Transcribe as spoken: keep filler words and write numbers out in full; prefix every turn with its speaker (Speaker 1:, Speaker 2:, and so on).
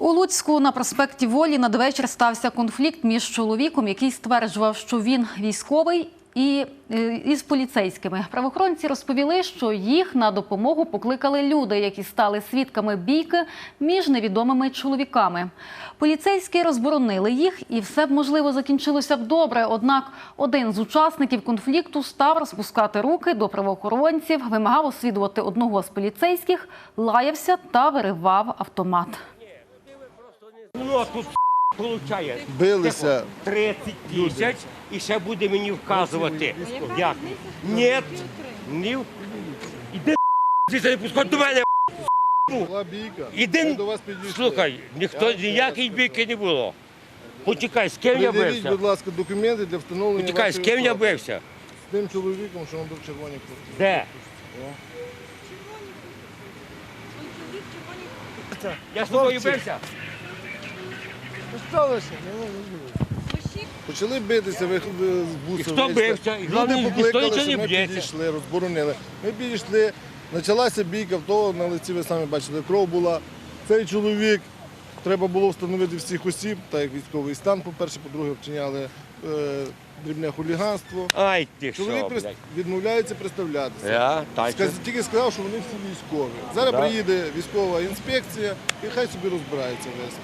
Speaker 1: У Луцьку на проспекті Волі надвечір стався конфлікт між чоловіком, який стверджував, що він військовий, і із поліцейськими. Правоохоронці розповіли, що їх на допомогу покликали люди, які стали свідками бійки між невідомими чоловіками. Поліцейські розборонили їх, і все б, можливо, закінчилося б добре. Однак один з учасників конфлікту став розпускати руки до правоохоронців, вимагав освідувати одного з поліцейських, лаявся та виривав автомат.
Speaker 2: Ну, тут получає
Speaker 3: Билися.
Speaker 2: тридцять тисяч і ще буде мені вказувати. Як? Ні, ні. Іди, ти не пускай до мене.
Speaker 3: Була бійка. Ми
Speaker 2: Іди,
Speaker 3: до вас підійшли.
Speaker 2: слухай, ніхто, ніякої бійки не було. Почекай, з ким я
Speaker 3: Придивіть,
Speaker 2: бився?
Speaker 3: будь ласка, документи для встановлення
Speaker 2: Почекай, з
Speaker 3: вашої
Speaker 2: ким я
Speaker 3: особи.
Speaker 2: бився?
Speaker 3: З тим чоловіком, що він був в червоній куртці.
Speaker 2: Де? Я з тобою бився?
Speaker 3: Почали битися, ви ви з буса.
Speaker 2: І хто
Speaker 3: вийшли.
Speaker 2: бився? І
Speaker 3: Люди
Speaker 2: головне, ніхто
Speaker 3: покликали,
Speaker 2: нічого
Speaker 3: що
Speaker 2: не
Speaker 3: ми
Speaker 2: б'ється.
Speaker 3: підійшли, розборонили. Ми підійшли, почалася бійка, в того на лиці ви самі бачили, кров була. Цей чоловік, треба було встановити всіх осіб, так як військовий стан, по-перше, по-друге, вчиняли е, дрібне хуліганство.
Speaker 2: Ай ти що,
Speaker 3: Чоловік прис-
Speaker 2: блядь.
Speaker 3: відмовляється представлятися.
Speaker 2: Я, так.
Speaker 3: Сказ- Тільки сказав, що вони всі військові. Зараз
Speaker 2: Да.
Speaker 3: приїде військова інспекція і хай собі розбирається весь.